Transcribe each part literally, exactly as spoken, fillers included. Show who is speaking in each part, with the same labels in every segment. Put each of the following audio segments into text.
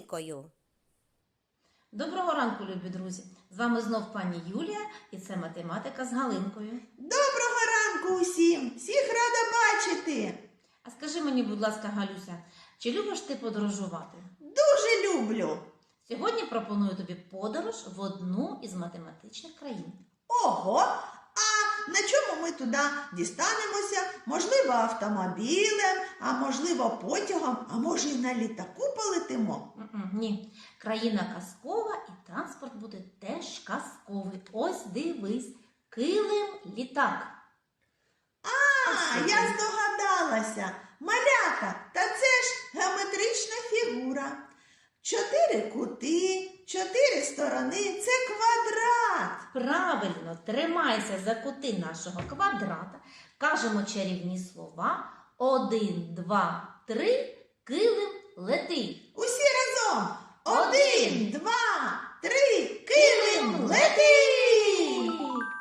Speaker 1: Галинкою.
Speaker 2: Доброго ранку, любі друзі! З вами знов пані Юлія і це математика з Галинкою.
Speaker 3: Доброго ранку усім! Всіх рада бачити!
Speaker 2: А скажи мені, будь ласка, Галюся, чи любиш ти подорожувати?
Speaker 3: Дуже люблю!
Speaker 2: Сьогодні пропоную тобі подорож в одну із математичних країн.
Speaker 3: Ого! А на чому ми туди дістанемося? Можливо, автомобілем, а можливо, потягом, а може і на літаку полетимо?
Speaker 2: М-м, ні, країна казкова і транспорт буде теж казковий. Ось дивись, килим-літак.
Speaker 3: А, я здогадалася! Малята, та це ж геометрична фігура. Чотири кути, чотири сторони – це квадрат.
Speaker 2: Правильно, тримайся за кути нашого квадрата. Кажемо чарівні слова. Один, два, три, килим летить.
Speaker 3: Усі разом. Один, два, три, килим летить!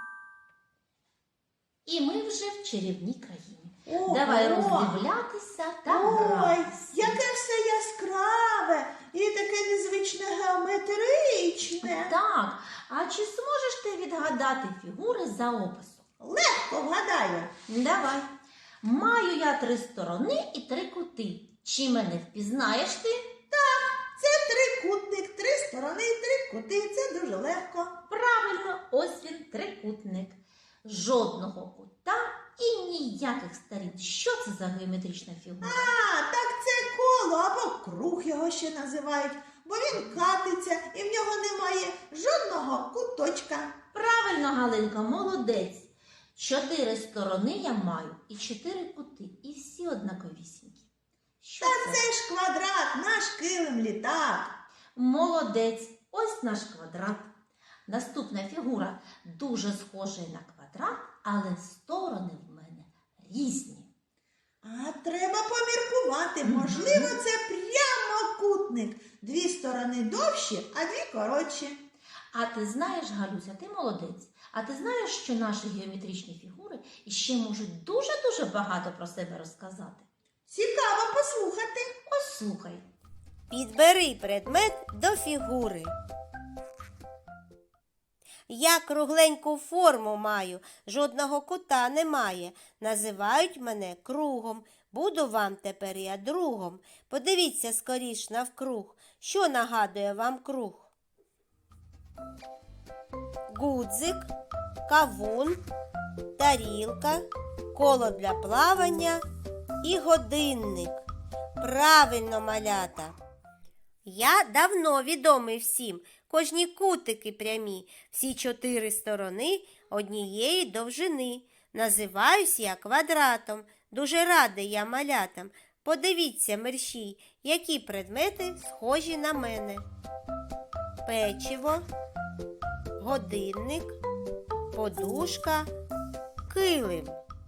Speaker 2: І ми вже в чарівній країні.
Speaker 3: Ого!
Speaker 2: Давай роздивлятися та
Speaker 3: Ой,
Speaker 2: гратися.
Speaker 3: яке все яскраве і таке незвичне геометричне.
Speaker 2: Так, а чи зможеш ти відгадати фігури за описом?
Speaker 3: Легко вгадаю.
Speaker 2: Давай. Маю я три сторони і три кути. Чи мене впізнаєш ти?
Speaker 3: Це трикутник, три сторони, три кути. Це дуже легко.
Speaker 2: Правильно, ось він трикутник. Жодного кута і ніяких сторін. Що це за геометрична фігура?
Speaker 3: А, так це коло або круг його ще називають, бо він катиться і в нього немає жодного куточка.
Speaker 2: Правильно, Галинка, молодець. Чотири сторони я маю і чотири кути, і всі однаковісінькі. Що
Speaker 3: Та
Speaker 2: це?
Speaker 3: це ж квадрат, наш килим-літак.
Speaker 2: Молодець, ось наш квадрат. Наступна фігура дуже схожа на квадрат, але сторони в мене різні.
Speaker 3: А треба поміркувати. Можливо, це прямокутник. Дві сторони довші, а дві коротші.
Speaker 2: А ти знаєш, Галюся, ти молодець. А ти знаєш, що наші геометричні фігури іще можуть дуже-дуже багато про себе розказати?
Speaker 3: Цікаво послухати.
Speaker 2: Ось слухай.
Speaker 1: Підбери предмет до фігури. Я кругленьку форму маю, жодного кута немає. Називають мене кругом. Буду вам тепер я другом. Подивіться скоріш навкруг. Що нагадує вам круг? Гудзик, кавун, тарілка, коло для плавання і годинник. Правильно, малята. Я давно відомий всім. Кожні кутики прямі, всі чотири сторони однієї довжини. Називаюсь я квадратом. Дуже радий я малятам. Подивіться, мерщій, які предмети схожі на мене. Печиво, годинник, подушка, килим.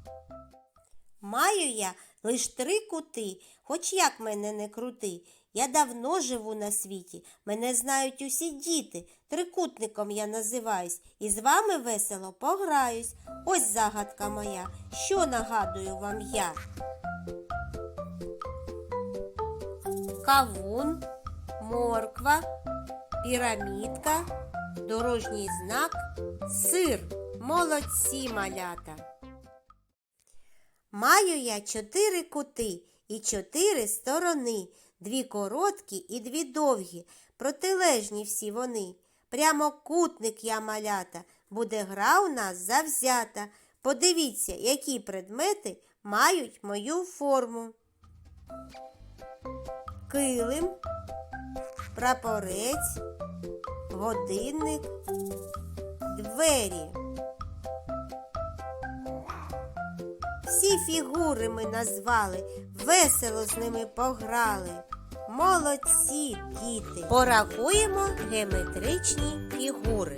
Speaker 1: Маю я лиш три кути, хоч як мене не крути. Я давно живу на світі, мене знають усі діти. Трикутником я називаюсь і з вами весело пограюсь. Ось загадка моя, що нагадую вам я. Кавун, морква, пірамідка, дорожній знак, сир. Молодці, малята. Маю я чотири кути і чотири сторони. Дві короткі і дві довгі, протилежні всі вони. Прямокутник я, малята, буде гра у нас завзята. Подивіться, які предмети мають мою форму. Килим, прапорець, годинник, двері. Всі фігури ми назвали, весело з ними пограли. Молодці, діти! Порахуємо геометричні фігури.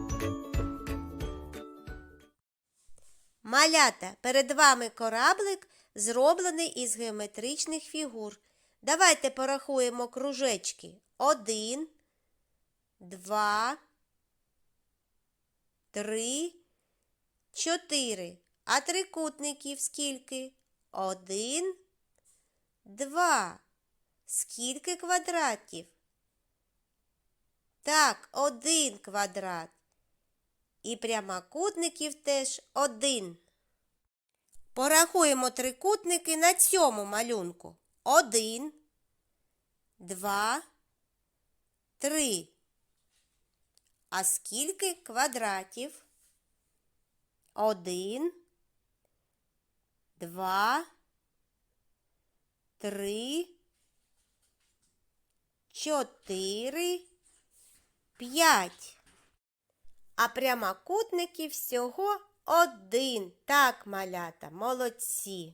Speaker 1: Малята, перед вами кораблик, зроблений із геометричних фігур. Давайте порахуємо кружечки. Один, два, три, чотири. А трикутників скільки? Один, два. Скільки квадратів? Так, один квадрат. І прямокутників теж один. Порахуємо трикутники на цьому малюнку. Один, два, три. А скільки квадратів? Один, два, три, чотири, п'ять. А прямокутників всього один. Так, малята, молодці.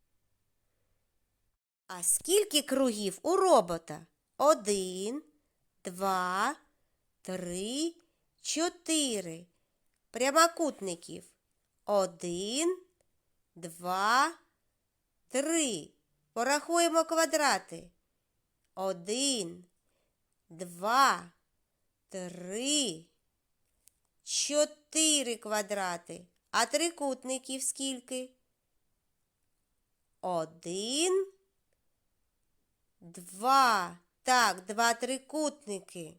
Speaker 1: А скільки кругів у робота? Один, два, три, чотири. Прямокутників. Один, два, три. Порахуємо квадрати. Один, два, три, чотири квадрати. А трикутників скільки? Один, два. Так, два трикутники.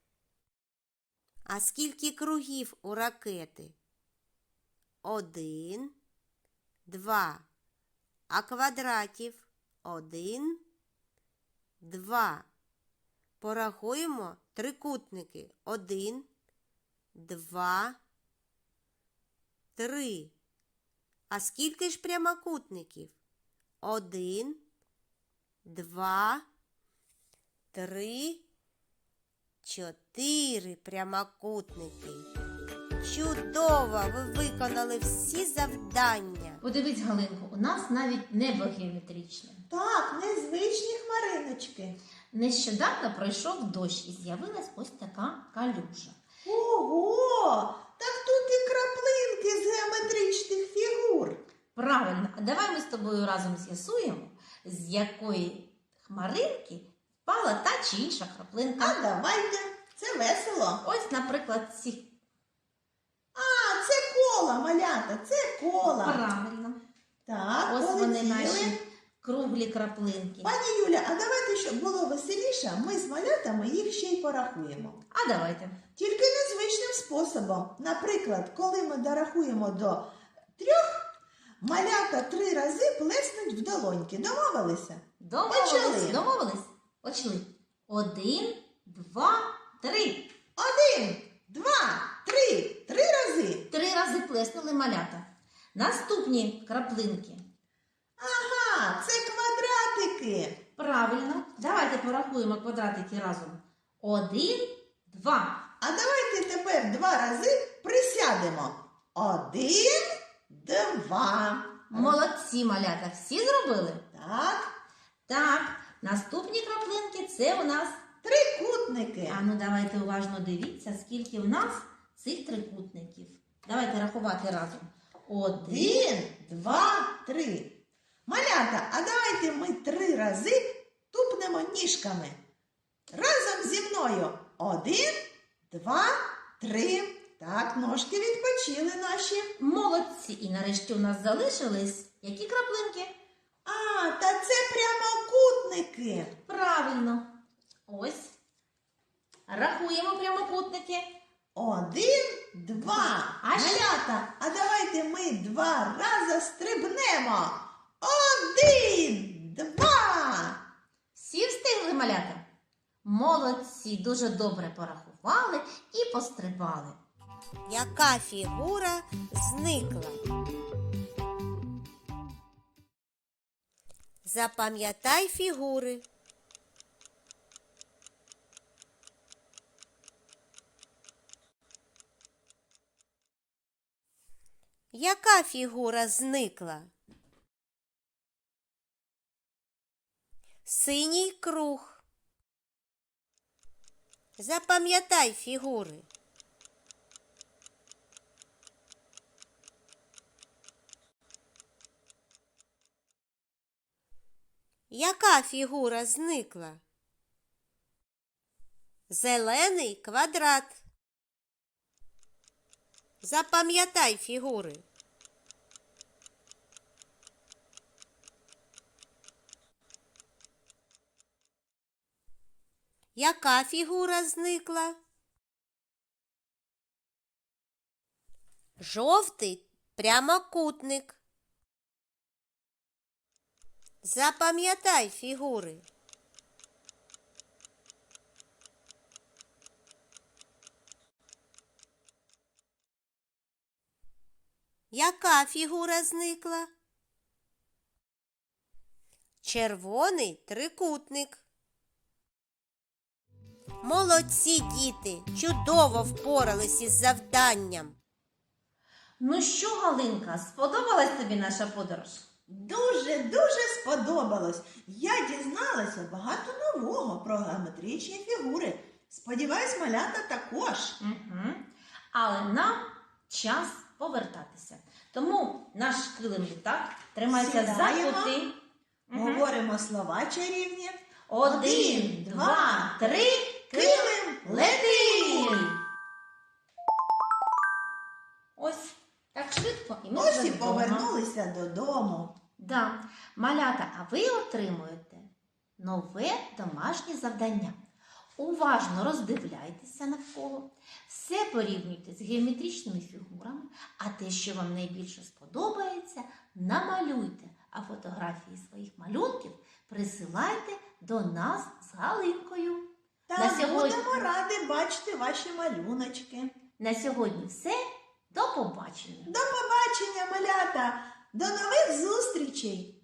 Speaker 1: А скільки кругів у ракети? Один, два. А квадратів? Один, два. Порахуємо трикутники. Один, два, три. А скільки ж прямокутників? Один, два, три, чотири прямокутники. Чудово! Ви виконали всі завдання.
Speaker 2: Подивись, Галинко, у нас навіть небо геометричне.
Speaker 3: Так, незвичні хмариночки.
Speaker 2: Нещодавно пройшов дощ і з'явилась ось така калюжа.
Speaker 3: Ого! Так тут і краплинки з геометричних фігур.
Speaker 2: Правильно, а давай ми з тобою разом з'ясуємо, з якої хмаринки впала та чи інша краплинка.
Speaker 3: А давайте, це весело.
Speaker 2: Ось, наприклад, ці.
Speaker 3: А, це кола, малята, це кола.
Speaker 2: Правильно.
Speaker 3: Так,
Speaker 2: Ось вони
Speaker 3: полетіли.
Speaker 2: наші круглі краплинки.
Speaker 3: Пані Юля, а давайте, щоб було веселіше, ми з малятами їх ще й порахуємо.
Speaker 2: А давайте.
Speaker 3: Тільки незвичним способом. Наприклад, коли ми дорахуємо до трьох, малята три рази плеснуть в долоньки. Домовилися?
Speaker 2: Домовились.
Speaker 3: Почали.
Speaker 2: Домовились? Почали. Один, два, три.
Speaker 3: Один, два, три. Три рази.
Speaker 2: Три рази плеснули малята. Наступні краплинки.
Speaker 3: Ага, це квадратики.
Speaker 2: Правильно. Давайте порахуємо квадратики разом. Один, два.
Speaker 3: А давайте тепер два рази присядемо. Один, два.
Speaker 2: Молодці, малята. Всі зробили?
Speaker 3: Так,
Speaker 2: Так. Наступні краплинки це у нас.
Speaker 3: трикутники.
Speaker 2: А ну давайте уважно дивіться, скільки в нас цих трикутників. Давайте рахувати разом. Один.
Speaker 3: Один, два, три. Малята, а давайте ми три рази тупнемо ніжками. Разом зі мною. Один, два, три. Так, ножки відпочили наші.
Speaker 2: Молодці. І нарешті у нас залишились які краплинки?
Speaker 3: А, та це прямокутники.
Speaker 2: Правильно. Ось. Рахуємо прямокутники.
Speaker 3: Один, два.
Speaker 2: А ще-
Speaker 3: Малята, а давайте ми два рази стрибнемо. Один, два.
Speaker 2: Всі встигли, малята? Молодці, дуже добре порахували і пострибали.
Speaker 1: Яка фігура зникла? Запам'ятай фігури. Яка фігура зникла? Синій круг. Запам'ятай фігури. Яка фігура зникла? Зелений квадрат. Запам'ятай фігури. Яка фігура зникла? Жовтий прямокутник. Запам'ятай фігури. Яка фігура зникла? Червоний трикутник. Молодці, діти! Чудово впорались із завданням.
Speaker 2: Ну що, Галинка, сподобалась тобі наша подорож?
Speaker 3: Дуже-дуже сподобалось. Я дізналася багато нового про геометричні фігури. Сподіваюсь, малята також.
Speaker 2: Угу. Але нам час повертатися. Тому наш килим літак тримайся за
Speaker 3: Сідаємо.
Speaker 2: кути. Угу.
Speaker 3: Говоримо слова чарівні.
Speaker 2: Один, два, три, килим лети! Ось так швидко і ми
Speaker 3: Ось
Speaker 2: вже
Speaker 3: і
Speaker 2: вдома.
Speaker 3: повернулися додому.
Speaker 2: Да. Малята, а ви отримуєте нове домашнє завдання. Уважно роздивляйтеся навколо, все порівнюйте з геометричними фігурами, а те, що вам найбільше сподобається, намалюйте, а фотографії своїх малюнків присилайте до нас з Галинкою.
Speaker 3: Та
Speaker 2: На сьогодні-
Speaker 3: будемо раді бачити ваші малюночки.
Speaker 2: На сьогодні все. До побачення!
Speaker 3: До побачення, малята! До нових зустрічей!